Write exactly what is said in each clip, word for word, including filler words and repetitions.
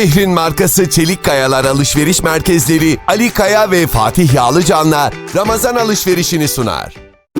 Şehrin markası Çelik Kayalar Alışveriş Merkezleri Ali Kaya ve Fatih Yağlıcan'la Ramazan alışverişini sunar.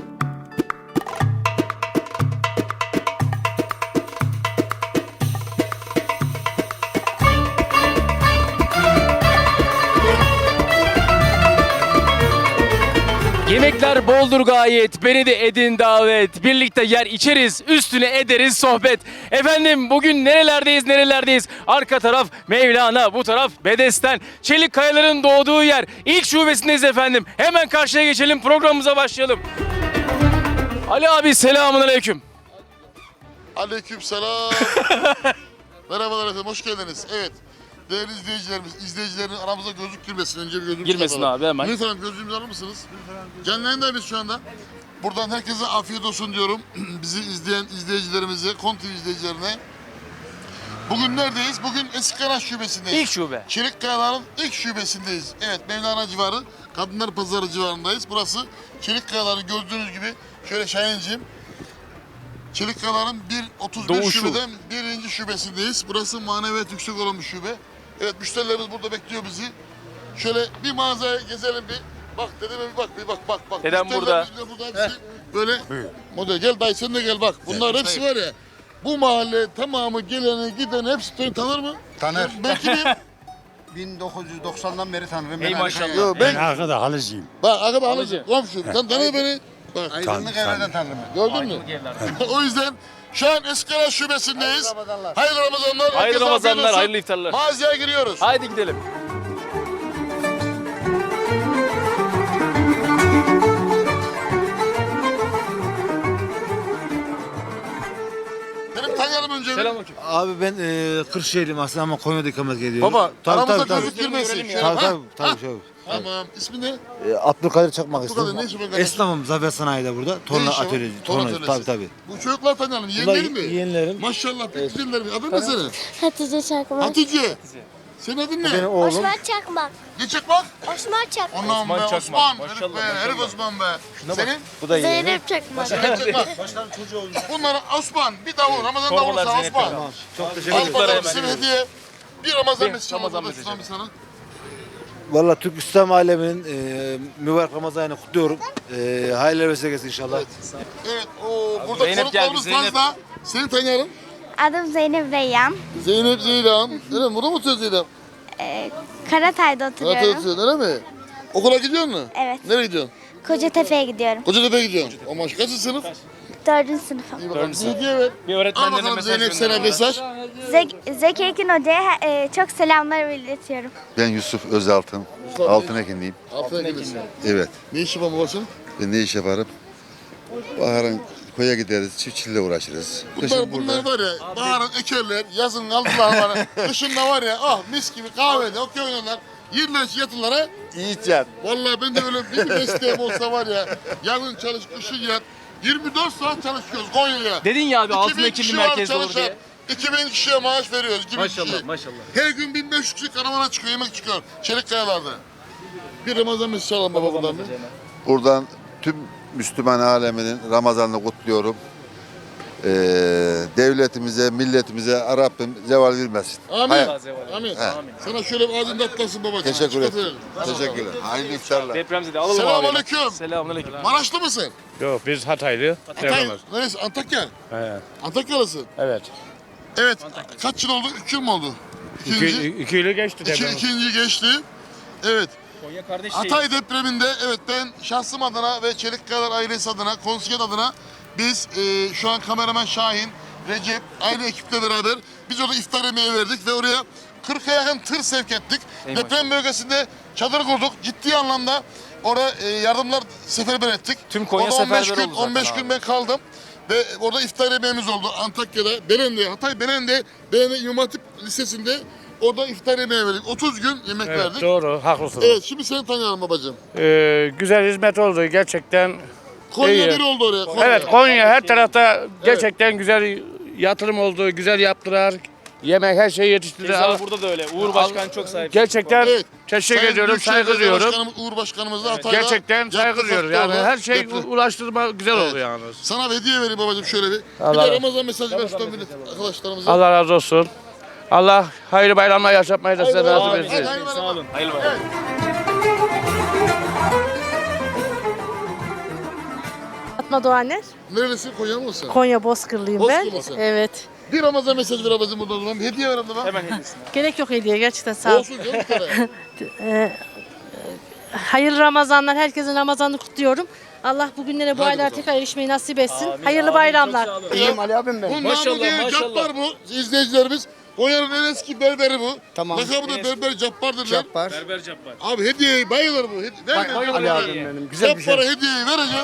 Yemekler boldur gayet, beni de edin davet. Birlikte yer içeriz, üstüne ederiz sohbet. Efendim bugün nerelerdeyiz, nerelerdeyiz? Arka taraf Mevlana, bu taraf Bedesten. Çelik Kayalar'ın doğduğu yer. İlk şubesindeyiz efendim. Hemen karşıya geçelim, programımıza başlayalım. Ali abi selamun aleyküm. Aleykümselam. Merhabalar efendim, hoş geldiniz. Evet, değerli izleyicilerimiz, izleyicilerin aramıza gözlük girmesin. Önce bir gözlük Girmesin çıkartalım. abi, hemen. Lütfen gözlüğümüzü alır mısınız? Canlı yayındayız şu anda. Buradan herkese afiyet olsun diyorum. Bizi izleyen izleyicilerimize, Konti izleyicilerine. Bugün neredeyiz? Bugün Eskikaraş şubesindeyiz. İlk şube. Çelik Kayalar'ın ilk şubesindeyiz. Evet, Mevlana civarı, Kadınlar Pazarı civarındayız. Burası Çelik Kayalar'ın gördüğünüz gibi, şöyle Şahinciğim. Çelik Kayalar'ın bir otuz bir Doğuşu. şubeden birinci şubesindeyiz. Burası maneviyat yüksek olan bir şube. Evet, müşterilerimiz burada bekliyor bizi. Şöyle bir mağazaya gezelim bir. Bak dedeme bir bak, bir bak bak bak. Dedem burada. Müşterilerimiz de burada hepsi böyle model. Gel dayı sen de gel bak. Bunlar hepsi var ya. Bu mahalle tamamı geleni gideni hepsi beni tanır mı? Tanır. Ben kimim? bin dokuz yüz doksandan beri tanırım. Ey Ben maşallah. Yo, Ben ben arkada halıcıyım. bak arkada Alıcı. alıcı. Komşum. Sen tanı beni. Bak Aydınlık evlerden tanırım. gördün mü? O yüzden şu an Eskikaraş şubesindeyiz. Hayırlı Ramazanlar. Hayırlı Ramazanlar. Hayırlı Herkese afiyet Ramazanlar, olsun. hayırlı iftarlar. Mağazaya giriyoruz. Haydi gidelim. Benim tanıyalım önce. bir. Selamünaleyküm. Abi ben e, Kırşehirliyim aslında ama Konya'da ikamet geliyorum. Baba tabii, aramıza tabii, tabii. gözlük girmesin. Görelim ya. Şöyle, Tabii ha? tabii, tabii, Ha? tabii. Tamam. İsmi ne? E, Abdülkadir Çakmak Bu kadar ismim. ne işi var kardeşim? Esnafım Zafer Sanayi'de burada. Ne Torna işi var? atölyesi. Torna Torna, atölyesi. tabii tabii. Bu çocuklar tanıyalım. Bunlar Yeğenlerin mi? yeğenlerim. Maşallah pek güzeller. Adın ne senin? Hatice Çakmak. Hatice. Senin adın Benim ne? oğlum. Osman Çakmak. Ne Çakmak? Osman Çakmak. Ondan Osman be Çakmak. Osman. Maşallah, Herif be. maşallah. Herif Osman be. Senin? Bu da yeğenim. Zeynep Çakmak. Zeynep Çakmak. Başkanım çocuğu olmuş. Bunlara Osman. Bir davul. Ramazan Torbalar davulu sana Zeynep Osman. Çakmak. Çok teşekkür Al ederim. Çocuklara bakalım hemen. size hediye. Bir Ramazan Bir mesajı Ramazan Ramazan mesajı. mesajı sana. Valla Türk İslam aleminin e, mübarek Ramazan'ını kutluyorum. E, hayırlı vesile inşallah. Evet. Oo, burada Zeynep konuklarımız geldi, Zeynep. fazla. Seni tanıyalım. Adım Zeynep Reyyan. Zeynep Zeylan. Öyle mi? Burada mı oturuyor Zeynep? Ee, Karatay'da Karatay oturuyorum. oturuyorsun öyle mi? Okula gidiyor musun? Evet. Nereye gidiyorsun? Kocatepe'ye gidiyorum. Kocatepe'ye gidiyorsun. O maş kaçıncı sınıf? Dördüncü sınıfım. İyi bakalım. Dördüncü Bir hediye ver. Bir Al öğretmenlerine bakalım mesaj Zeynep sana gönder. mesaj. Zek Zeki Ekin Hoca'ya e, çok selamlar iletiyorum. Ben Yusuf Özaltın, altın ekinliyim. Altına gidelim. Evet, Ne işi var babasının? ben ne iş yaparım? Baharın koya gideriz, çiftçilikle uğraşırız. Bunlar, Kışın bunlar burada. var ya, baharın ekerler, yazın aldılar bana. Kışında var ya, ah mis gibi kahvede, okey oynarlar. Yerler yatırlar ha. Yiyeceğim. Vallahi ben de öyle bir mesleğim olsa var ya, yazın çalış, kışın yat. yirmi dört saat çalışıyoruz Konya'ya. Dedin ya abi altın iki bin ekilli kişi var merkezde olur çalışan. diye. iki bin kişiye maaş veriyoruz. iki bin Maşallah kişiye. maşallah. Her gün bin beş yüz kişi karavana çıkıyor, yemek çıkıyor. Çelik Kayalar'da. Bir Ramazan mesajı alalım baba buradan. bir. Buradan tüm Müslüman aleminin Ramazan'ını kutluyorum. Ee, devletimize, milletimize Rabbim zeval vermesin. Amin. Hayır. Amin. He. Sana şöyle bir ağzını atlasın babacığım. Teşekkür Dikkat ederim. edelim. Teşekkürler. Hayırlı iftarlar. Depremzede alalım abi. Selamünaleyküm. Selamünaleyküm. Maraşlı mısın? Yok biz Hataylı. Hatay, neresi? Antakya. He, Antakyalısın. evet. Evet. Kaç yıl oldu? Üç yıl mı oldu? İkinci. İki, iki yılı geçti İki, deprem. ikinci geçti. Evet. Konya kardeş Hatay depreminde evet ben şahsım adına ve Çelik Kayalar ailesi adına, konsiyon adına biz e, şu an kameraman Şahin, Recep, aynı ekiple beraber biz orada iftar yemeği verdik ve oraya kırka yakın tır sevk ettik. Ey Deprem bölgesinde çadır kurduk. Ciddi anlamda orada e, yardımlar seferber ettik. Tüm Konya orada on beş seferber gün, oldu zaten on beş abi. gün ben kaldım. Ve orada iftar yemeğimiz oldu Antakya'da, Belen'de, Hatay Belen'de, Belen'de İmam Hatip Lisesi'nde orada iftar yemeği verdik. otuz gün yemek Evet, verdik. doğru, haklısınız. Evet, şimdi seni tanıyalım babacığım. Ee, güzel hizmet oldu gerçekten. Konya İyi. bir oldu oraya. Konya. Evet, Konya her tarafta gerçekten güzel yatırım oldu, güzel yaptılar. Yemek her şeyi yetiştirdiler. Keza burada da öyle. Uğur Başkan çok sahip. Gerçekten Evet. teşekkür Sayın ediyorum, Büyükşehir saygı Belediye duyuyorum. Başkanımız, Uğur Başkanımız da Hatay'da Gerçekten saygı yaptı, duyuyorum. sattı Yani orada. her şey Yaptı. ulaştırma güzel Evet. oldu yalnız. Sana bir hediye vereyim babacığım şöyle bir. Allah- Bir de Ramazan mesajı ver şuradan millet arkadaşlarımıza. Allah razı olsun. Allah hayırlı bayramlar yaşatmayı da size nasip etsin. Hadi, Sağ olun. Hayırlı bayramlar. Fatma Doğaner. Nerelisin? Konya mısın? Konya Bozkırlıyım ben. Bozkırlısın. Evet. Bir Ramazan mesajı ver abicim buradan. Ulan. Hediye ver abla. Hemen hediyesini. Gerek yok hediye gerçekten sağ ol. Olsun canım bir tane. Ee, hayırlı Ramazanlar. Herkesin Ramazan'ını kutluyorum. Allah bugünlere bu Hadi aylar bakalım. tekrar erişmeyi nasip etsin. Amin, hayırlı amin. bayramlar. Çok sağ olun. İyiyim Ali abim ben. Bu Maşallah, Namı diye maşallah. Cabbar bu. İzleyicilerimiz. Konya'nın en eski berberi bu. Tamam. Lakabı da berber Cabbar'dır lan. Cabbar. Berber Cabbar. Abi hediyeyi bayılır bu. Hedi ver Bay- ver, Ali ver. abim benim. Güzel bir şey. Cabbar'a hediyeyi vereceğim.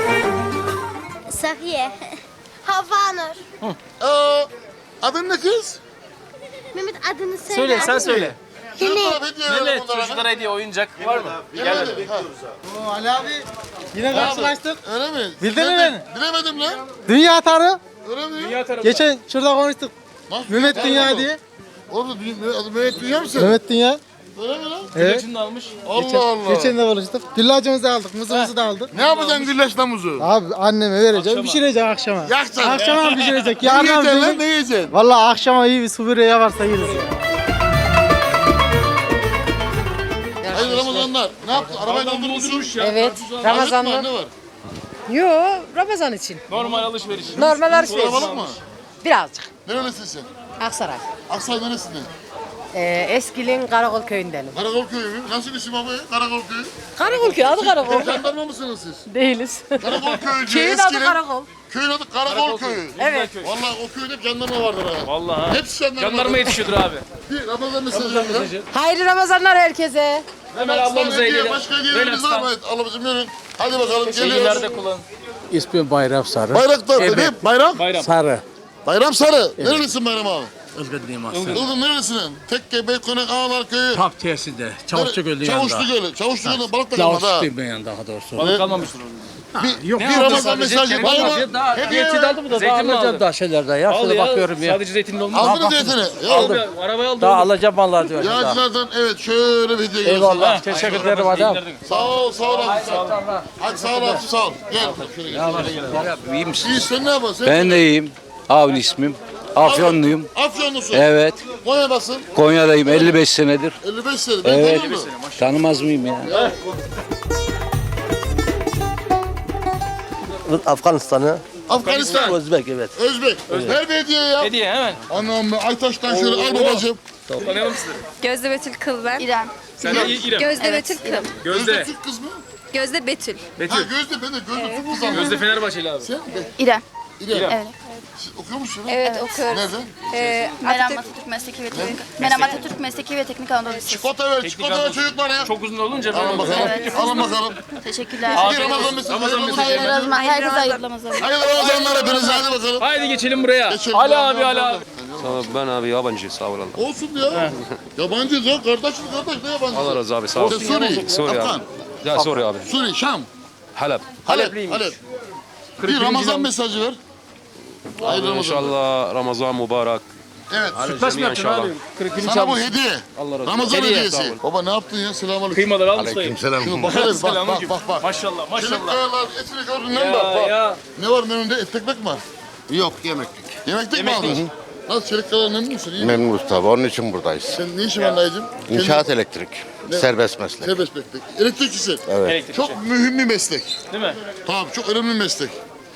Safiye. Havanur. Aa, adın ne kız? Mehmet adını söyle. Söyle sen söyle. Her taraf hediye verelim Mehmet onlara. çocuklara hediye oyuncak var mı? Gel hadi. Ha. Ali abi yine karşılaştık. Öyle mi? Bildin mi Bilemedim. Bilemedim lan. Dünya tarı. Öyle mi? Dünya tarafında. Geçen şurada konuştuk. Nasıl? Mehmet Gel Dünya bakalım. diye. Orada dü- adı Mehmet Dünya mısın? Mehmet Dünya. Öyle mi lan? Evet. İlacını da almış. Allah Allah. Geçen de konuştuk. Güllacımızı da aldık, mızımızı da aldık. Ne yapacaksın güllaç namuzu? Abi anneme vereceğim, Akşama. pişirecek akşama. Yakacaksın. Akşama pişirecek. Ne Yarın yiyeceksin lan? Ne pişirecek. yiyeceksin? Valla akşama iyi bir su böreği varsa yeriz. Hayırlı Ramazanlar. Ne yaptın? Arabayı doldurmuşsun. Evet. Ramazanlar. Ne var? Yo, Ramazan için. Normal alışveriş. Normal alışveriş. Kalabalık mı? Birazcık. Nerelisin sen? Aksaray. Aksaray neresinden? Ee, Eskilin Karakol köyündenim. Karakol köyü mü? Nasıl isim abi? Karakol köyü. Karakol köyü, adı Karakol. Jandarma mısınız siz? Değiliz. Karakol köyücü. Köyün adı Eskinin- Karakol. Köyün adı Karakol köyü. Evet. Vallahi o köyde hep jandarma vardır ha. Vallahi. Hepsi jandarma. Jandarma vardır. yetişiyordur abi. Bir Ramazan mesajı ver. Hayırlı Ramazanlar herkese. Hemen ablamıza Hediye, hediye. Başka hediyelerimiz var mı? Evet, ablacığım yürüyün. Hadi bakalım geliyoruz. Şeylerde kullan. İsmim Bayram Sarı. Bayraktar. Ne? Bayram? Bayram. Sarı. Bayram Sarı. Nerelisin Bayram abi? Ilgınlıyım aslında. Ilgın nerelisin? Tekke, Beykonak, Ağlar köyü. Tap tersinde. Çavuşçu Gölü Çavuşlu yanında. Gölü. Çavuşlu Gölü balık da kalmadı ha. Çavuşçuyum ben yani daha doğrusu. Balık kalmamıştır orada. Bir, Yok, bir ne aldı Ramazan sadece? mesajı. Kendi Bayram. aldı. Daha Hediye zeytin ver. aldım da daha Zeytin mi alacağım aldı? daha şeylerden ya. Al Şöyle ya. bakıyorum ya. Sadece zeytinli olmaz. Aldın mı Aldım. zeytini? Ya, Aldım. Arabayı aldım. Daha alacağım vallahi diyor. daha. Yağcılardan evet şöyle bir hediye gelsin. Eyvallah. Ha, Teşekkür hayırlı ederim Ramazan adam. günler. Sağ ol, sağ ol abi. Sağ ol. Hadi sağ ol abi, sağ ol. Gel. Şöyle gel. İyi misin? İyi sen ne yapıyorsun? Ben de iyiyim. Avni ismim. Afyonluyum. Afyonlusun. Evet. Konya'dasın. Konya'dayım elli beş senedir. elli beş sene. Ben Evet. tanıyor musun? Tanımaz mıyım ya? Afganistan'ı. Afganistan. Özbek evet. Özbek. Ver bir hediye ya. Hediye hemen. Anam be Aytaş'tan şöyle al babacığım. Tanıyalım sizleri. Gözde Betül Kıl ben. İrem. Sen de İ- İrem. Gözde Betül Kıl. Gözde Gözde. Türk kız mı? Gözde Betül. Ha Betül. Gözde ben de Gözde Türk kız anladım. Gözde Fenerbahçeli abi. Sen de İrem. İrem. Evet. Siz okuyor musun? Evet, okuyorum. Nerede? Ee, Meram Atatürk. Atatürk Mesleki ve Teknik. Meram Atatürk Mesleki ve Teknik Anadolu Lisesi. Çikolata ver, Teknik çikolata ver anlamda. çocuklar ya. Çok uzun olunca Alın böyle bakalım. Evet. Alın bakalım. Teşekkürler. Bir Ramazan mesajı. Ramazan mesajı. Hayırlı Ramazan. Herkese hayırlı Ramazan. Hayırlı Ramazanlar hepinize hadi bakalım. Haydi geçelim buraya. Geçelim. Ali abi Ali abi. Ben abi yabancı sağ olun. Olsun ya. Yabancıyız ya. Kardeşim kardeş ne yabancısı? Allah razı abi sağ ol. Sen Suriye. Suriye Afgan. abi. Ya Suriye abi. Suriye, Şam. Halep. Halep. Halepliymiş. Halep. Bir Ramazan mesajı ver. Hayırlı Ramazan. İnşallah Ramazan mübarek. Evet. Sütlaç mı yapacaksın abi? Kırık günü Sana bu çalmış. hediye. Allah razı olsun. Ramazan Hediye, hediyesi. sağ ol. Baba ne yaptın ya? Selamünaleyküm. Kıymaları al ustayım. Şunu bak hele bak bak Selamünaleyküm. bak bak. Maşallah maşallah. Çelikkayalar etini gördün değil mi? Ya, Bak bak. ya. Ne var menünde? Et ekmek mi var? Yok yemeklik. Yemeklik mi Yemeklik. aldın? Nasıl Çelikkayalar memnun musun? İyi mi? Memnunuz tabii onun için buradayız. Sen ne işin var dayıcım? İnşaat elektrik. Serbest meslek. Serbest meslek. Elektrikçisin. Evet. Elektrikçi. Çok mühim bir meslek. Değil mi? Tamam çok önemli bir meslek.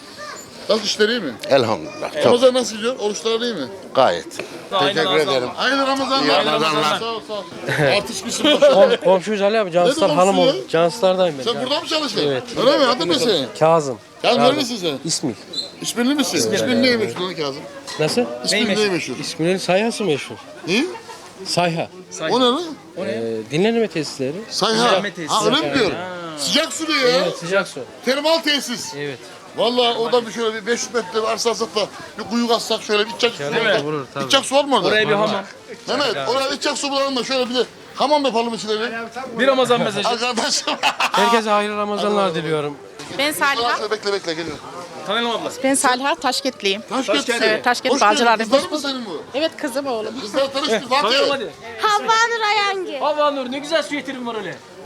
Nasıl işler iyi mi? Elhamdülillah. Çok Ramazan nasıl gidiyor? Oruçlar iyi mi? gayet. Aynen Teşekkür abi, ederim. Hayırlı Ramazanlar. İyi Ramazanlar. Sağ ol sağ ol. Artistmişsin maşallah. Komşuyuz Ali abi. Canslar Ne hanım komşusu oldu. Canslardayım ben. Sen burada mı çalıştın? Evet. Öyle mi? Adın ne senin? Kazım. Kazım nerelisin sen? İsmil. İsminli misin? İsmin neyi meşhur lan Kazım? Nasıl? İsmin neyi meşhur? İsminin sayhası meşhur. Ne? Sayha. O ne lan? Ee, dinlenme tesisleri. Sayha. Ha öyle mi diyor? Sıcak su diyor ya. Sıcak su. Termal tesis. Evet. Vallahi orada bir şöyle bir beş yüz metre bir arsa alsak da bir kuyu kazsak şöyle bir içecek su var Değil mi? mı? Vurur, tabii. İçecek su var mı orada? Oraya bir hamam. Mehmet oraya içecek su bulalım da şöyle bir de hamam yapalım içine bir. Bir Ramazan mesajı. Arkadaşım. Herkese hayırlı Ramazanlar diliyorum. Ben Saliha. Şöyle bekle bekle geliyor. Tanıyalım abla. Ben Saliha Taşketliyim. Taşkent. Evet, Taşkent Hoş geldin. Bağcılar'dayım. Kızlar mı senin bu? Evet kızım oğlum. Kızlar tanıştı. Tanıyalım Fatih. hadi. Havva Nur Ayangı. Hava Nur ne güzel süveterin var öyle.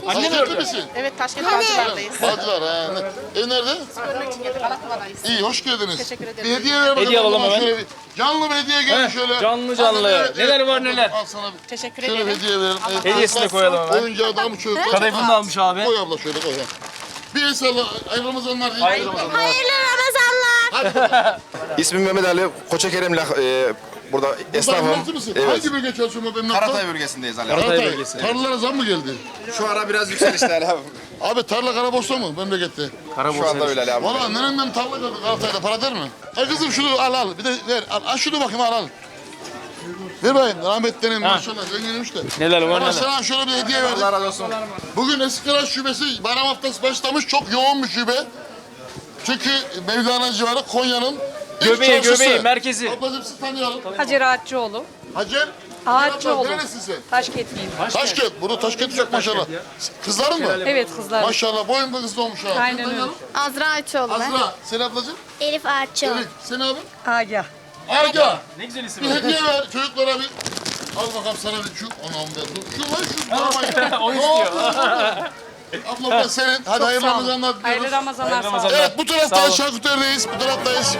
Anne mi Taşkentli ördü? misin? Evet Taşkent Bağcılar'dayız. Bağcılar ha. Ne- Ev nerede? Görmek için geldik. Alakova'dayız. İyi, hoş geldiniz. Teşekkür ederim. Bir hediye ver bakalım. Hediye alalım bana hemen. şöyle bir. Canlı bir hediye gelin Heh, şöyle. canlı canlı. Hadi, evet, Neler evet. var, neler? Al sana bir. Teşekkür Şöyle bir ederim. hediye verelim. Evet, Hediyesini çocuklar, koyalım hemen. Oyuncağı da mı çocuklar? Kadayıfını da almış abi. Koy abla şöyle koy. ha. Bir el salla. Hayırlı Ramazanlar. diyeyim. Hayırlı Ramazanlar. Hayırlı Ramazanlar. İsmim Mehmet Ali Koçakerem'le e, burada esnafım. Emlakçı mısın? Evet. Hangi bölge çalışıyorsun bu emlakta? Karatay bölgesindeyiz Ali. Karatay Karatay. bölgesi. Tarlalara zam mı geldi? Şu ara biraz yükselişte Ali abi. Abi tarla Karaboş'ta mı memlekette? Şu anda öyle Ali abi. Valla nereden tarla kaldı Karatay'da para der mi? Ay kızım şunu al al bir de ver al, al şunu bakayım al al. Ver bakayım rahmetlerim maşallah zenginmiş de. Neler var Ama neler. sana şöyle bir hediye verdik. Allah razı olsun. Bugün Eskişehir Şubesi bayram haftası başlamış çok yoğun bir şube. Çünkü Mevlana civarı Konya'nın ilk Göbeği, çarşısı. göbeği, merkezi. Ablacığım sizi tanıyalım. Hacer Ağaççıoğlu. Hacer. Ağaççıoğlu. Nerelisin sen? Taşkentliyim. Taşkent. Burada Taşkent çok maşallah. Kızların mı? Evet kızlar. Maşallah boyun da kızlı olmuş ha. Aynen Seni tanıyalım. Azra Açoğlu ben. Azra. Sen ablacığım? Elif Ağaççıoğlu. Evet. Sen abi? Agah. Aga. Ne güzel isim. Bir hediye ver çocuklara bir. Al bakalım sana bir şu. Anam be. dur. Şu lan şu. Tamam. O istiyor. Abla bu da senin. Hadi hayırlı sağ olun. Ramazanlar Hayırlı diliyoruz. Ramazanlar. Hayırlı sağ olun. Ramazanlar. Evet bu Sağ taraftayız. olun. Şarküteri'deyiz. Bu taraftayız.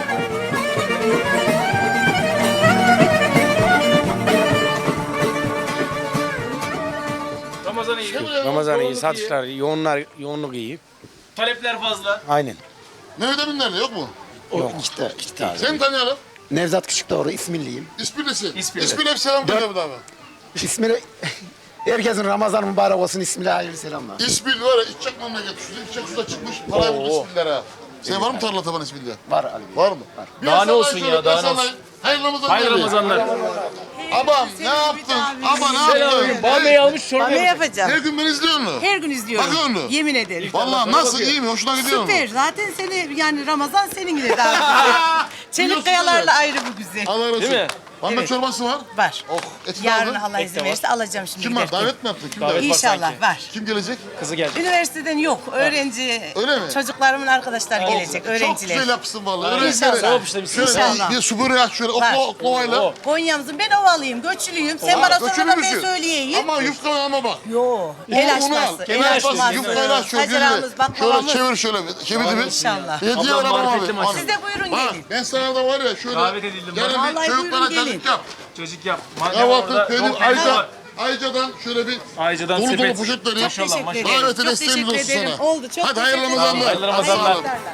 Ramazan iyi. Ramazan iyi, satışlar iyi, yoğunlar, yoğunluk iyi. Talepler fazla. Aynen. Mehmet Emin nerede? Yok mu? Yok işte, işte. Seni tanıyalım. Nevzat Küçükdoğru, İsmilliyim. İsmilisi. İsmili. İsmile bir selam söyle bu da abi. İsmini, herkesin Ramazan mübarek olsun, İsmil'e hayırlı selamlar. İsmil var ya içecek memleket. Şu içecek suda çıkmış. Parayı buldu İsmillere ha. Senin var mı tarla taban İsmil'de? Var Ali. Var mı? Bir Daha ne sallayın olsun şöyle, ya, daha bir ne olsun. sallayın. Hayırlı Ramazanlar. Hayırlı Ramazanlar. Abam ne yaptın? Aba ne yaptın? Bamya'yı almış çorba yapacak. yapacağım. Her gün beni izliyor mu? Her gün izliyorum. Bakıyor mu? Yemin ederim. Vallahi nasıl iyi mi? Hoşuna gidiyor mu? Zaten seni yani Ramazan senin yine daha Biliyorsun Çelik kayalarla ayrı bu güzel. Allah razı olsun. Değil mi? Bamba Evet. çorbası var. Var. Oh eti Yarın kaldı. Allah izin verirse alacağım şimdi Kim var? giderken. Davet mi yaptın? Kim Davet davet? var İnşallah sanki. var. Kim gelecek? Kızı geldi. Üniversiteden yok. Öğrenci, Öyle mi? çocuklarımın arkadaşlar gelecek. Çok Öğrenciler. güzel yapsın vallahi. İnşallah. Öğrencilere. Sevap işlemiş. Şöyle İnşallah. bir, bir su böreği aç şöyle Var. okla oklavayla. Oo. Konya'mızın ben ovalıyım, göçlüyüm. Sen bana Göçülü sormadan ben müsün? söyleyeyim. Ama yufkalarıma bak. Yo, el Onu- onu al. açması. Kemer El açması. açması. Yufkayla aç şöyle. Hacerağımız, Şöyle baklavamız. çevir şöyle. Çevirdi mi? İnşallah. Bir hediye ver Ablam abam marifetli abi. maşallah. Siz de buyurun Bak gelin. ben sana da var ya şöyle. Davet edildim Gene bana. bir Vallahi çocuklara buyurun çocuk gelin. yap. Çocuk yap. Madem Kahvaltı orada peynir yok, peynir Ayca. var. Ayca'dan şöyle bir Ayca'dan dolu dolu sepet. poşet vereyim. Maşallah Teşekkür maşallah. ederim. Davete Çok desteğimiz teşekkür olsun ederim. sana. Oldu. Çok Hadi hayırlı teşekkür ederim. Ramazanlar. Hayırlı Ramazanlar.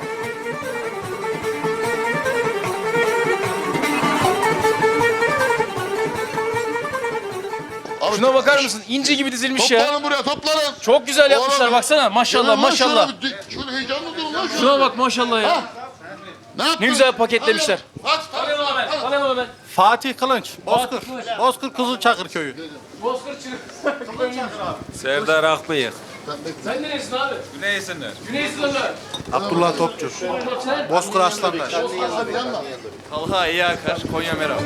Abi, Şuna bakar mısın? İnci gibi dizilmiş ya. Toplanın buraya toplanın. Çok güzel yapmışlar Oğlum, baksana. Maşallah Gelin lan maşallah. Şöyle, bir- şöyle heyecanlı durun lan şöyle. Şuna bak maşallah ya. Ne yaptın? Ne güzel paketlemişler. Hadi, hadi, hadi, hadi. Tanıyalım hemen. Fatih Kılınç, Bozkır. Bozkır Kızılçakır köyü. Bozkır Çırık. Serdar Akbıyık. Sen neresin abi? Güney Esenler. Güney Sınırlı. Abdullah Topçu. Bozkır Aslanlar. Talha İyi Akar, Konya Meral.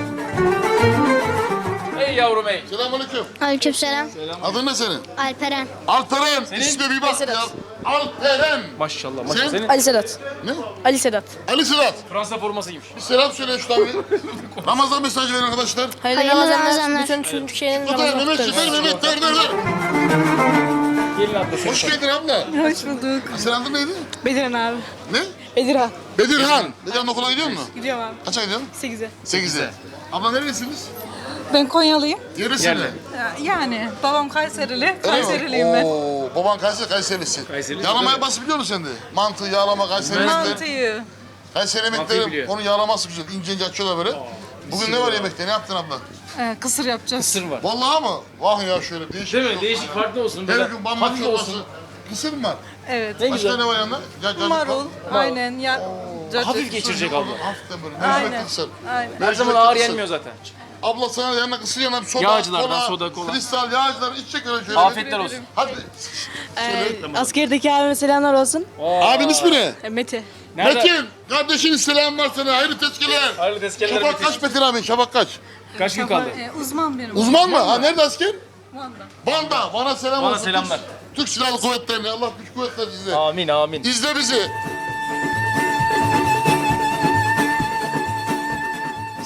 Ey yavrum ey. Selamünaleyküm. Aleykümselam. Adın ne senin? Alperen. Alperen. İsme bir bak ya. Alperen. Maşallah maşallah. Sen? Senin Ali Sedat. Ne? Ali Sedat. Ali Sırat. Fransa forması giymiş. Bir selam söyle şu tabi. Ramazan mesajı verin arkadaşlar. Hayırlı Ramazanlar. Bütün Türkiye'nin Bu da Mehmet Şefer, Mehmet ver ver ver. Gelin abla. Hoş geldin abla. Hoş bulduk. Senin adın neydi? Bedirhan abi. Ne? Bedirhan. Bedirhan. Bedirhan okula gidiyor musun? Gidiyorum abi. Kaça gidiyorsun? sekize. Sekize. Abla nerelisiniz? Ben Konyalıyım. Neresinde? Yani babam Kayserili. Öyle mi? Kayseriliyim ben. Oo, baban Kayseri, Kayserilisin. Kayserili, Yağlamayı tabii. nasıl biliyor musun sen de? Mantı, yağlama, Kayseri yemekleri. Mantıyı. Kayseri Mantıyı yemekleri, biliyor. onun yağlaması güzel. İnce ince açıyorlar böyle. Bugün ne var yemekte? Ne yaptın abla? Ee, kısır yapacağız. Sır var. Vallahi mı? Vah ya şöyle değişik. Değil mi? çok- Değişik farklı olsun. Her Böyle gün bamba hafif çorbası. olsun. Kısır mı var? Evet. Ne Başka güzel. ne var yanında? Ya, ya, Marul. Aynen. Ya, Hafif geçirecek abla. Hafiften böyle. Aynen. Mercimek kısır. Aynen. Her zaman ağır yenmiyor zaten. Abla sana yanına kısır yanına bir soda, Yağcılardan soda, kola. kristal, yağcılar içecek öyle şöyle. Afiyetler olsun. Hadi. Askerdeki abime selamlar olsun. Abin ismi ne? Mete. Nerede? Metin. Kardeşin selam var sana. Hayırlı tezkereler. Hayırlı tezkereler Şafak Metin. kaç Metin abi? Şafak kaç? Kaç gün kaldı? uzman benim. Uzman mı? Ha nerede asker? Van'da. Van'da. Van'a selam Bana olsun. selamlar. Türk, Türk Silahlı Kuvvetleri'ne. Allah güç kuvvetler size. Amin amin. İzle bizi.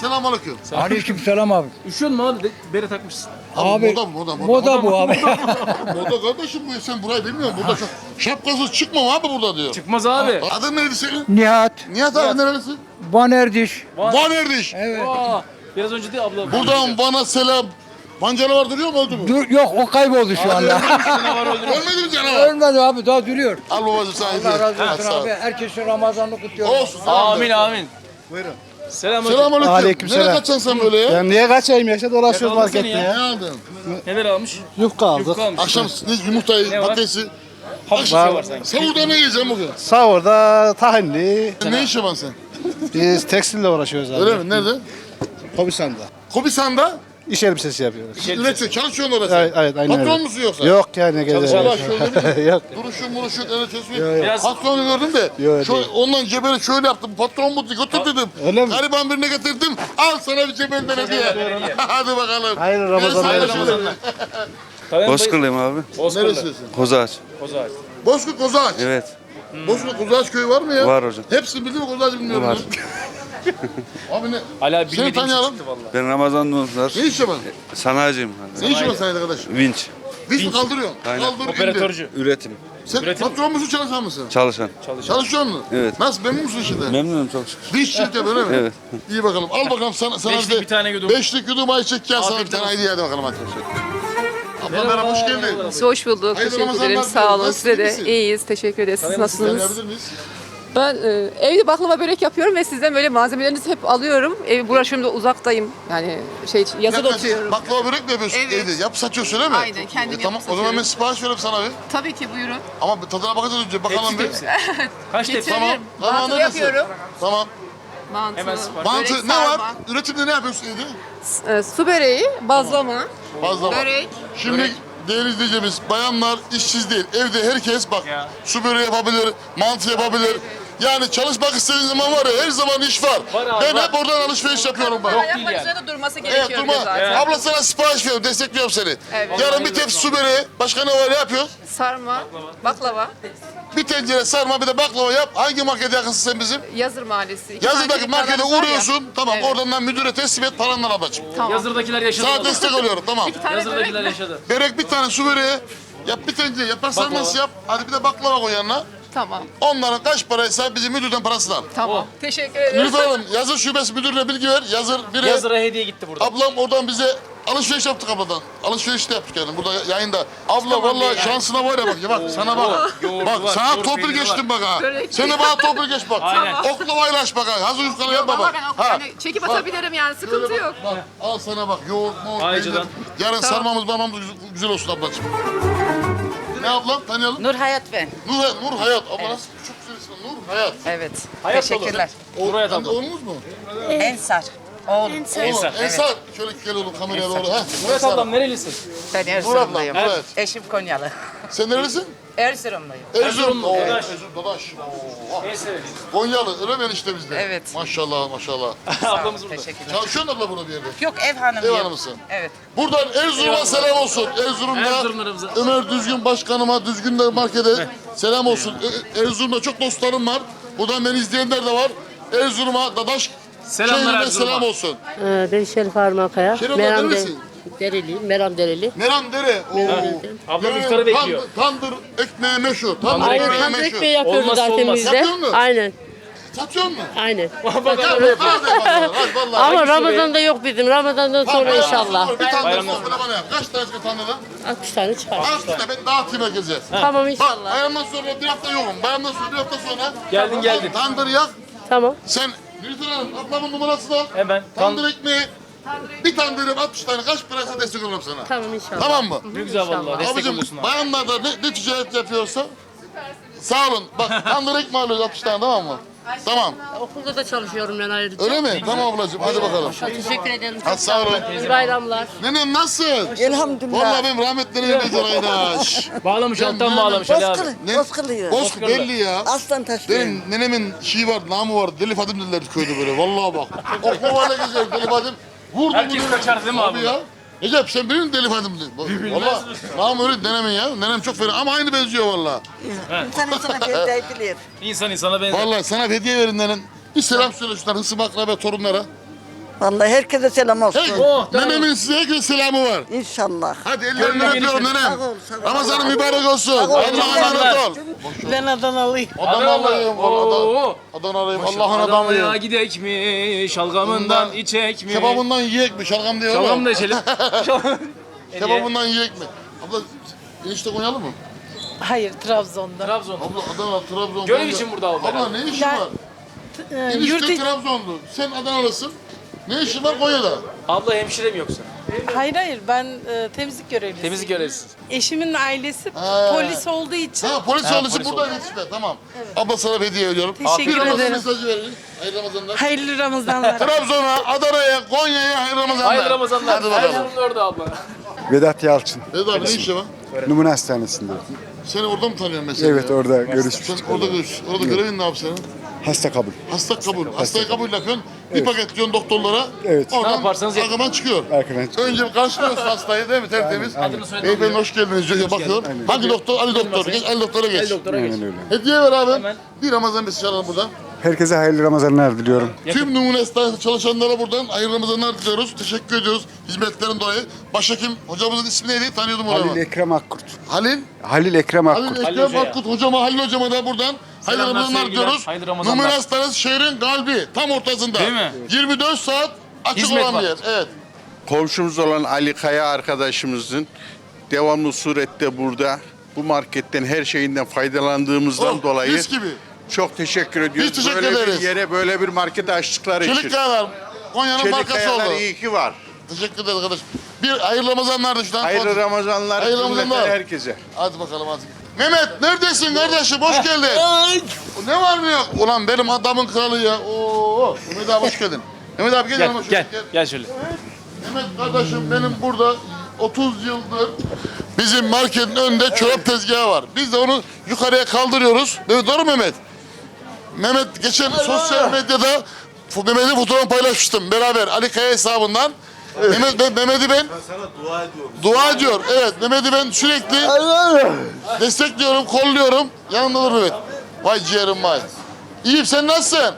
Selamünaleyküm. Aleyküm selam abi. Üşüyor mu abi? De- Bere takmışsın. Abi, moda moda moda. Moda bu abi. Moda kardeşim bu sen burayı bilmiyorsun. Burada şap- şapkasız çıkmam abi burada diyor. Çıkmaz abi. Adın neydi senin? Nihat. Nihat abi nerelisin? Van Erdiş. Van Erdiş. Evet. Aa, biraz önce de abla. Buradan bana selam. Van canavar duruyor mu öldü mü? Dur, yok o kayboldu şu anda. Ölmedi mi canavar? Ölmedi abi daha duruyor. Al babacım sana hediye. Allah razı Hadi olsun sağ ol. abi. Herkesin Ramazan'ını kutluyorum. Olsun. tamam. Amin amin. Buyurun. Selam. Selamünaleyküm. Aleykümselam. Nereye kaçacaksın sen böyle ya? Ben niye kaçayım ya? İşte dolaşıyoruz Yakaladı seni markette ya. Ne ya. aldın? Neler almış? Yufka aldık. Yufka almış. Akşam ne, yumurtayı, Ne var? patatesi. Hafif bir şey var sanki. Savurda ne yiyeceğim bugün? Sahurda tahinli. Ne iş yapan sen? Biz tekstille uğraşıyoruz abi. Öyle mi? Nerede? Komisanda. Kobisan'da İş elbisesi yapıyoruz. üretiyor. Çalışıyorsun orada sen. Evet, evet aynen Patron öyle. musun yoksa? Yok yani gezer. Allah şöyle bir Yok. duruşun muruşun el tesbih. Biraz- Patronu gördüm de. Yok, Şöyle, değil. ondan cebeli şöyle yaptım. Patron mutlu götür dedim. Öyle mi? Gariban birine getirdim. Al sana bir cebelden hediye. Hadi bakalım. Hayırlı Ramazanlar. Hayırlı Hayırlı Ramazanlar. Bozkırlıyım abi. Neresinisin? Kozaç. Kozağaç. Bozkurt Kozağaç. Evet. Bozkurt Kozağaç köyü var mı ya? Var hocam. Hepsini bildi mi Kozağaç'ı bilmiyorum. Var. ya. Abi ne? Hala Seni bilmediğim şey tanıyalım. çıktı valla. Ben Ramazan Nurlar. Ne iş yapan? Sanayiciyim. Ne iş yapan sen arkadaş? Vinç. Vinç mi kaldırıyorsun? Aynen. Kaldır indir. Operatörcü. Üretim. Sen patron musun çalışan mısın? Çalışan. Çalışıyor musun? Evet. Nasıl memnun musun işinden? Memnunum çok şükür. Vinç şirket öyle mi? Evet. İyi bakalım. Al bakalım sana, sana Beşlik bir tane yudum. Beşlik yudum ayçiçek yağı sana bir Afiyet tane olsun. hediye hadi bakalım hadi. Abla merhaba hoş geldin. Hoş bulduk. Hayırlı Teşekkür Ramazanlar ederim. Sağ olun. diliyorum. Size de Nasılsın? iyiyiz. Teşekkür ederiz. Siz nasılsınız? Tanıyabilir miyiz? Ben e, evde baklava börek yapıyorum ve sizden böyle malzemelerinizi hep alıyorum. Ev burası uzaktayım. Yani şey yazıda Yaklaşık oturuyorum. Baklava börek mi yapıyorsun Evet. evde? Yap satıyorsun öyle mi? Aynen, kendim yapıp Tamam o zaman satıyorum. ben sipariş veririm sana bir. Tabii ki buyurun. Ama bir tadına bakacağız önce bakalım Hepsi bir. tepsi. Kaç tepsi? Tamam. Getiririm. Tamam Mantı neredesin? yapıyorum. Tamam. Mantı, Hemen sipariş. Mantı börek, ne var? sarma, Üretimde ne yapıyorsun evde? e, su böreği, bazlama, Fazla var. börek. Şimdi değerli izleyicimiz, bayanlar işsiz değil. Evde herkes bak Ya. su böreği yapabilir, mantı yapabilir. Yani çalışmak istediğin zaman var ya her zaman iş var. Var abi, ben var. hep oradan alışveriş yapıyorum bak. Ayaklar yani. üzerinde durması Evet gerekiyor durma. zaten. Abla sana sipariş veriyorum, destekliyorum seni. Evet. Yarın bir tepsi su böreği, başka ne var ne yapıyorsun? Sarma, baklava, Bir tencere sarma bir de baklava yap. Hangi markete yakınsın sen bizim? Yazır Mahallesi. İki Yazıdaki tane markete dükkanımız var ya. uğruyorsun. Tamam Evet. oradan müdüre teslim et paranla ablacığım. Tamam. Yazırdakiler yaşadı. Sana valla. destek oluyorum tamam. Bir tane Yazırdakiler börek mi? yaşadı. Börek bir tane su böreği. Yap bir tencere yaprak Baklava. sarması yap. Hadi bir de baklava koy yanına. Tamam. Onların kaç paraysa bizim müdürden parasını al. Tamam. Oh. Teşekkür ederim. Nilüfer Hanım yazır şubesi müdürüne bilgi ver. Yazır biri. Yazıra hediye gitti burada. Ablam oradan bize alışveriş yaptık abladan. Alışveriş de yaptık yani burada yayında. Abla vallahi şansına var ya bak. Ya bak sana bak. yoğurdu Bak var, sana yoğurt torpil peyniri geçtim bak ha. Börek. Sen de bana torpil geç bak. Aynen. Oklavayla aç bak ha. Hazır yufkalı yapma Ama bak. ben o- Ha. yani çekip atabilirim yani sıkıntı Şöyle yok. bak, bak. Al sana bak yoğurt moğurt Aycı'dan. peynir. Yarın sarmamız barmamız güzel- güzel olsun ablacığım. Ne ablam tanıyalım? Nur Hayat ben. Nur, Nur Hayat. Abla nasıl çok güzel ismi Nur Hayat. Evet. Hayat Teşekkürler. O, Hayat sen de abla. oğlunuz mu? Ensar. Oğlum. Ensar. Oğlum, Evet. Ensar. Şöyle gel oğlum kameraya doğru. Ha. Murat ablam nerelisin? Ben Nur ablam. Erzurumluyum. Evet. Eşim Konyalı. Sen nerelisin? Erzurumluyum. Erzurum. Oo, Dadaş. Erzurum. Dadaş. Oo. En sevdiğim. Konyalı. Öyle ben işte bizde. Evet. Maşallah maşallah. Ablamız burada. Teşekkürler. Çalışıyorsun abla burada bir yerde. Yok ev hanımıyım. Ev hanımısın. Evet. Buradan Erzurum'a selam olsun. Erzurum'da Erzurumlarımıza. Ömer Düzgün Başkanıma, Düzgün de markete selam olsun. E- Erzurum'da çok dostlarım var. Buradan beni izleyenler de var. Erzurum'a, Dadaş Selamlar şehrine Erzurum'a. selam olsun. Ben Şerif Armakaya. Şerif abla nerelisin? Dereliyim. Meram Dereli. Meram Dere. Oo. Ablam Yani iftarı bekliyor. Tandır, tandır ekmeği meşhur. Tandır Tandır ekmeği Tandır meşhur. ekmeği yapıyoruz Olmazsa zaten olmaz. biz de. Yapıyor musun? Aynen. Satıyor musun? Aynen. Gel bak, hadi bakalım. Hadi vallahi. Ama Ramazan'da yok bizim. Ramazan'dan sonra Bayramdan inşallah. sonra Bir tane Bayramdan sofra bana yap. Kaç tane tandırdan? altmış tane çıkar. Al işte ben dağıtayım herkese. Tamam Bak inşallah. bayramdan sonra bir hafta yokum. Bayramdan sonra bir hafta sonra. Geldin, geldin. Tandır yak. Tamam. Sen Nilüfer Hanım ablamın numarası da. Hemen. Tandır ekmeği. Bir tandırım altmış tane kaç paraysa destek olurum sana. Tamam inşallah. Tamam mı? Ne güzel valla. Destek Abicim oluyorsun abi. bayanlar da ne, ne ticaret yapıyorsa sağ olun. Bak tandır ekmeği alıyoruz altmış tane tamam mı? Tamam. Okulda da çalışıyorum ben ayrıca. Öyle mi? Tamam ablacığım hadi bakalım. Teşekkür ederim. Hadi sağ olun. İyi bayramlar. Nenem nasılsın? Elhamdülillah. Vallahi benim rahmetli nenem benzer Aydaş. Bağlamış Ben alttan nenem- bağlamış Ali abi. Ne? Bozkırlıyım. Bozkır belli ya. Aslan taşlıyım. Benim nenemin şeyi var, namı var. Deli Fadim dediler köyde böyle. Vallahi bak. Oklavayla geziyor Deli Fadim. Vurdu Herkes bunu. kaçar değil mi abi? ya? Recep sen bilir misin Deli Fadim dedi. Valla namı öyle nenemin ya. Nenem çok fena ama aynı benziyor valla. İnsan insana benzeyebilir. İnsan insana benzer. Vallahi sana hediye verin nenem. Bir selam söyle şunlar hısım akraba torunlara. Vallahi herkese selam olsun. Hey, Oh, tamam. nenemin size herkese selamı var. İnşallah. Hadi ellerinden Gönlü öpüyorum genişsin. nenem. Sağ ol, sağ ol. Ramazanın mübarek olsun. ol. Allah'a Ramazanlar. emanet ol. Ben Adanalıyım. Adanalıyım. Oo. Adanalıyım. Allah'ın Adana'ya adamıyım. gidek mi? Şalgamından içek mi? Kebabından yiyek mi? Şalgam diyor Şalgam mu? da içelim. Şalgam- Kebabından yiyek mi? Abla enişte Konyalı mı? Hayır, Trabzon'da. Trabzon. Abla Adana, Trabzon. Görev Konya. için burada abla. Abla ne işin Ben- var? Ee, Enişte yurt Trabzonlu. Sen Adanalısın. Ne işin var Konya'da? Abla hemşire mi yoksa? Hayır hayır, ben e, temizlik görevlisiyim. Temizlik görevlisi. Eşimin ailesi Ha. polis olduğu için. Ha polis Ha, servisi polis burada yetişme. Tamam. Abla sana bir hediye ediyorum. Teşekkür Bir Ramazan ederim. mesajı verin. Hayırlı Ramazanlar. Hayırlı Ramazanlar. Trabzon'a, Adana'ya, Konya'ya hayırlı Ramazanlar. Hayırlı Ramazanlar. Hadi bakalım. Erzurumlu orada abla. Vedat Yalçın. Evet abi ne işi var? Numune Hastanesi'nde. Seni orada mı tanıyorum mesela? Evet ya? orada görüşmüştük. Sen orada görüş. Orada görevin ne yapsın? Hasta kabul. Hasta kabul. Hastayı kabul yakın. Bir paket diyorsun doktorlara. Evet. Oradan Ne yaparsanız yapın. arkadan çıkıyor. Arkadan çıkıyor. Önce bir karşılıyorsun hastayı değil mi? Tertemiz. Adını soyadını Beyefendi hoş geldiniz diyor. Bakıyor. Hangi doktor? Ali doktor. Geç, Ali doktora geç. El doktora geç. Aynen öyle. Hediye ver abi. Hemen. Bir Ramazan mesajı alalım buradan. Herkese hayırlı Ramazanlar diliyorum. Tüm Numune Hastanesi çalışanlara buradan hayırlı Ramazanlar diliyoruz. Teşekkür ediyoruz hizmetlerin dolayı. Başhekim hocamızın ismi neydi? Tanıyordum onu. Halil Ekrem Akkurt. Halil. Halil Ekrem Halil Akkurt. Ekrem Hoca'ya. Akkut hocama, Halil hocama da buradan hayırlı Selamlar, Ramazanlar sevgiler. diyoruz. Hayırlı Ramazanlar. Numune Hastanesi şehrin kalbi. Tam ortasında. Değil mi? yirmi dört saat açık Hizmet olan var. bir yer. Evet. Komşumuz olan Ali Kaya arkadaşımızın devamlı surette burada bu marketten her şeyinden faydalandığımızdan Oh, dolayı mis gibi. çok teşekkür ediyoruz. Biz teşekkür böyle ederiz. bir yere böyle bir market açtıkları için. Çelik Kayalar. Konya'nın markası Kayalar oldu. iyi ki var. Teşekkür ederiz arkadaş. Bir hayırlı Ramazanlar da şuradan. Hayırlı Ramazanlar Hayırlı cümleten Ramazanlar. herkese. Hadi bakalım hadi. Mehmet neredesin kardeşim? Hoş geldin. Ne var mı yok? Ulan benim adamın kralı ya. Oo. Mehmet abi hoş geldin. Mehmet abi gel Gel, yanıma şöyle. gel, gel şöyle. Mehmet kardeşim benim burada otuz yıldır bizim marketin önünde çorap tezgahı var. Biz de onu yukarıya kaldırıyoruz. Evet, doğru mu Mehmet? Mehmet geçen sosyal medyada fu- Mehmet'in fotoğrafını paylaşmıştım beraber Ali Kaya hesabından. Mehmet, ben, Mehmet'i ben dua ediyorum. Dua ediyor. Evet Mehmet'i ben sürekli destekliyorum, kolluyorum. Yanımda dur Mehmet. Vay ciğerim vay. İyiyim sen nasılsın?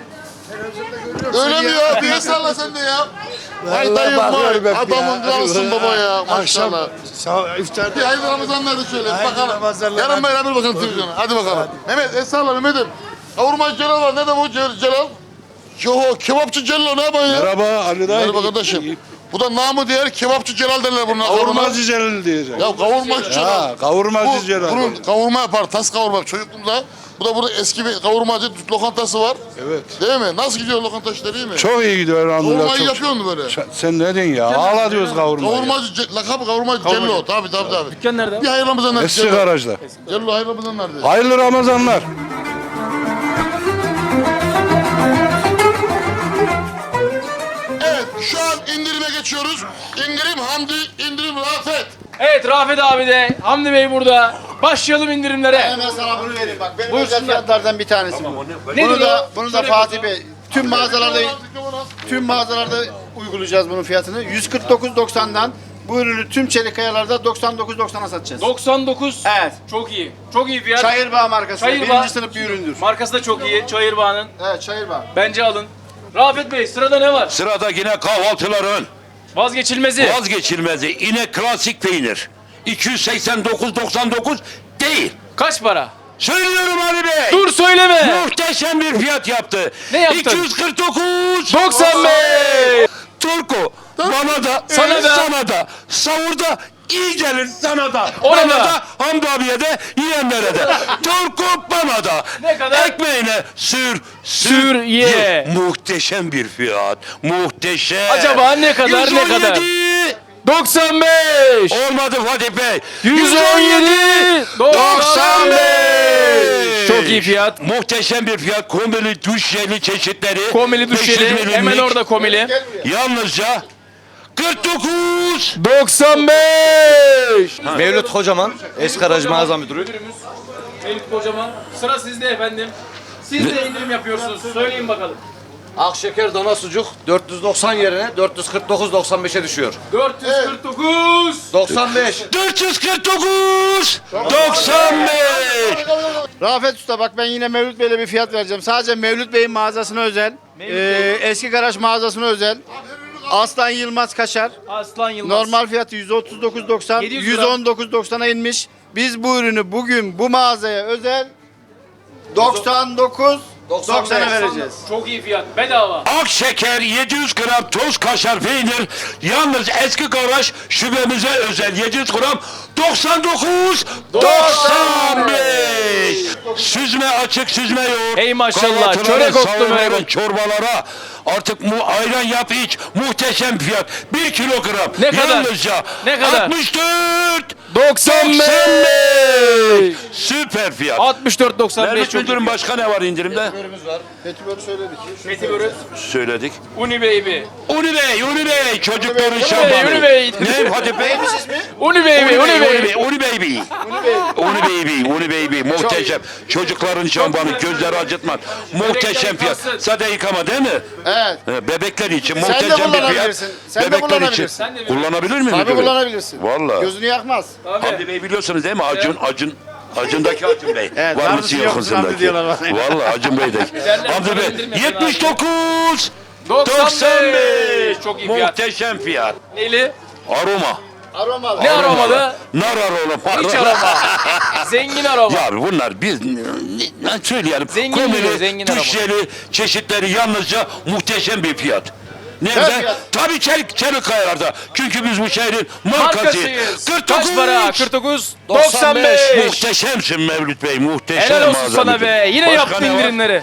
Öyle mi ya? Bir salla sen de ya. Vay dayım vay. Adamın kralsın baba ya. Maşallah. Bir hayırlı Ramazanlar da şöyle. Bakalım. Yarın beraber bakalım televizyona. Hadi bakalım. Mehmet el salla Mehmet'im. Kavurmacı Celal var. Nerede bu Cel- Celal? Yo kebapçı Celal ne yapıyorsun ya? Merhaba Ali dayı. Merhaba kardeşim. Bu da namı diğer kebapçı Celal derler bunun. Kavurmacı Celal diyeceğim. Ya kavurmacı Celal. kavurmacı Bu, bunun kavurma yapar, tas kavurma. Çocukluğumda bu da burada eski bir kavurmacı lokantası var. Evet. Değil mi? Nasıl gidiyor lokanta işleri iyi mi? Çok iyi gidiyor elhamdülillah. Kavurmayı yapıyor mu böyle? Sen ne diyorsun ya? Ağla diyoruz kavurmayı. Kavurmacı, ce- lakabı kavurmacı Cello. Tabii tabii tabii. Dükkan nerede? Bir hayırlı Ramazanlar. Eski Cello. garajda. Cello hayırlı Ramazanlar dedi. Hayırlı Ramazanlar. Evet şu an indirime geçiyoruz. İndirim Hamdi, indirim Rafet. Evet Rafet abi de, Hamdi Bey burada. Başlayalım indirimlere. Ben sana bunu vereyim bak. Benim Buyursunlar. özel fiyatlardan bir tanesi bu. Nedir Bunu da, o? bunu da Söyle Fatih Bey. Tüm mağazalarda tüm mağazalarda uygulayacağız bunun fiyatını. yüz kırk dokuz doksandan bu ürünü tüm çelik kayalarda doksan dokuz doksana satacağız. doksan dokuz. Evet. Çok iyi. Çok iyi fiyat. Çayırbağ markası. Çayırbağ. Birinci sınıf bir üründür. Markası da çok iyi. Çayırbağ'ın. Evet Çayırbağ. Bence alın. Rafet Bey sırada ne var? Sırada yine kahvaltıların Vazgeçilmezi. vazgeçilmezi yine klasik peynir. iki yüz seksen dokuz doksan dokuz değil. Kaç para? Söylüyorum Ali Bey. Dur söyleme. Muhteşem bir fiyat yaptı. Ne yaptın? iki yüz kırk dokuz doksan beş. Turku bana da Sana da. sana da savurda iyi gelir sana da. Ona bana da. da Hamdi abiye de yiyenlere de. Turku bana da. Ne kadar? Ekmeğine sür Sür, ye. Muhteşem bir fiyat. Muhteşem. Acaba ne kadar, ne kadar? yüz on yedi. doksan beş. Olmadı Fatih Bey. yüz on yedi. doksan beş. Çok iyi fiyat. Muhteşem bir fiyat. Komili duş jeli çeşitleri. Komili beş yüz düşeli. milimlik. Hemen orada komili. Yalnızca kırk dokuz. doksan beş. Mevlüt Kocaman, eski aracı mağaza müdürü. Müdürümüz Mevlüt Kocaman. Sıra sizde efendim. Siz de indirim yapıyorsunuz. Söyleyin bakalım. Akşeker dana sucuk dört yüz doksan yerine dört yüz kırk dokuz doksan beşe düşüyor. dört yüz kırk dokuz. doksan beş. dört yüz kırk dokuz. doksan beş. Rafet Usta bak ben yine Mevlüt Bey'le bir fiyat vereceğim. Sadece Mevlüt Bey'in mağazasına özel Ee, eski garaj mağazasına özel. Aslan Yılmaz kaşar. Aslan Yılmaz. Normal fiyatı yüz otuz dokuz doksan, yedi yüz gram. yüz on dokuz doksana inmiş. Biz bu ürünü bugün bu mağazaya özel doksan dokuz doksana vereceğiz. Çok iyi fiyat. Bedava. Ak şeker yedi yüz gram toz kaşar peynir yalnız eski garaj şubemize özel yedi yüz gram doksan dokuz doksan beş. Süzme açık süzme yoğurt. Ey maşallah, kahvaltılara, çörek otlu sahurlara, meyve. çorbalara artık mu ayran yap iç muhteşem fiyat. bir kilogram. Ne kadar? Yalnızca Ne kadar? altmış dört doksan beş. Süper fiyat. altmış dört doksan beş. Mehmet Müdürüm başka ne var indirimde? Petibörü söyledik. Petibörü. Söyledik. Uni Baby. Uni Bey, Uni Bey, çocukların Uni şambanı. Uni Bey. Ne Fatih Bey? Uni Baby. Uni Uni Baby. Bey, Uni Baby. Uni Baby, Uni Baby, muhteşem. Çocukların şambanı, gözleri acıtmaz. Muhteşem fiyat. Sade yıkama değil mi? Evet. He, Bebekler için Sen de muhteşem bir fiyat. kullanabilirsin. Sen de Bebekler için. kullanabilirsin. Kullanabilir miyim? Tabii müdürüm? kullanabilirsin. Vallahi. Gözünü yakmaz. Hamdi Bey biliyorsunuz değil mi? Acun, Acun. Acun'daki Acun Bey. Evet, var var mısın mısın, yok yok musun? musun Hamdi diyorlar bana. Vallahi Acun Bey'deki. Hamdi Bey yetmiş dokuz doksan beş. Çok iyi fiyat. Muhteşem fiyat. Neyli? Aroma. Aromalı. Ne aromalı? Nar aroma. Hiç aroma. Zengin aroma. Ya bunlar biz ne, ne söyleyelim. Zengin Komili, diyor, zengin aroma. tüşleri, çeşitleri yalnızca muhteşem bir fiyat. Ne Nerede? fiyat? Tabii Çelik, Çelikayalar'da. Çünkü biz bu şehrin markasıyız. Markasıyız. kırk dokuz. Kaç para? kırk dokuz doksan beş. Muhteşemsin Mevlüt Bey, muhteşem. Helal olsun mağaza sana müdürü. be. Yine Başka yaptın ne var? indirimleri.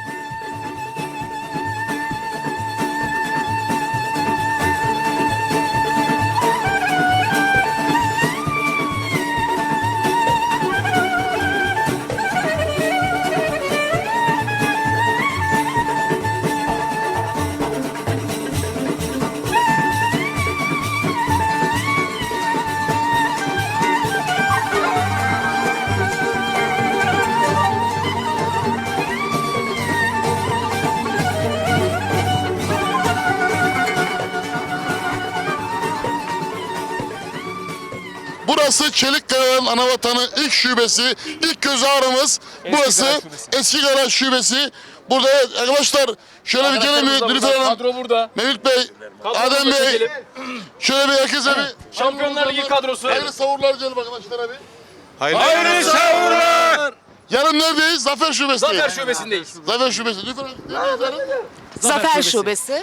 Burası Çelikkaya'nın anavatanı ilk şubesi, ilk göz ağrımız. Burası Garaj Şubesi. eski garaj şubesi. Burada evet, arkadaşlar şöyle bir gelin mi Nilüfer Hanım, Kadro burada. Mevlüt Bey, Adem Bey, Çekelim. şöyle bir herkese bir Şampiyonlar Ligi kadrosu. hayırlı savurlar diyelim arkadaşlar abi. Hayırlı savurlar. Yarın neredeyiz? Zafer Şubesi'ndeyiz. Zafer Şubesi'ndeyiz. Zafer Şubesi. Nilüfer Hanım, neredeyiz yarın? Zafer Şubesi.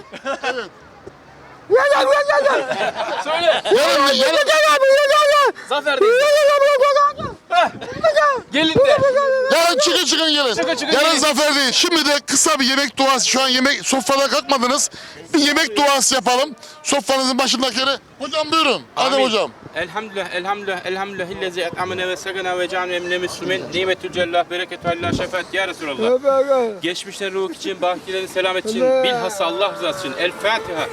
Söyle. Yarın, yarın, Zafer'deyiz. Heh. Gelin de. yarın çıkın çıkın gelin. Çıkın, çıkın, yarın gelin. Zafer değil. Şimdi de kısa bir yemek duası. Şu an yemek sofradan kalkmadınız. Bir yemek duası yapalım. Sofranızın başındakileri. Hocam buyurun. Adem hocam. Elhamdülillah, elhamdülillah, elhamdülillah, illezi et'amene ve segana ve canve emne müslümin, nimetül cellah, bereketü Allah, şefaat ya Resulallah. Geçmişlerin ruh için, bakilerin selamet için, bilhassa Allah rızası için. El Fatiha.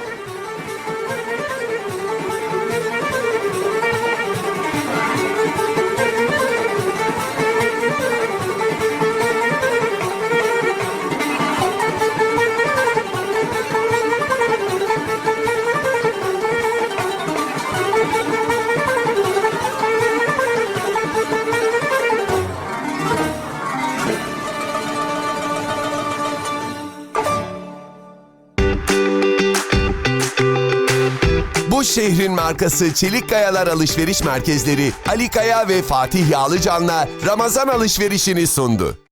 Bu şehrin markası Çelik Kayalar Alışveriş Merkezleri Ali Kaya ve Fatih Yağlıcan'la Ramazan alışverişini sundu.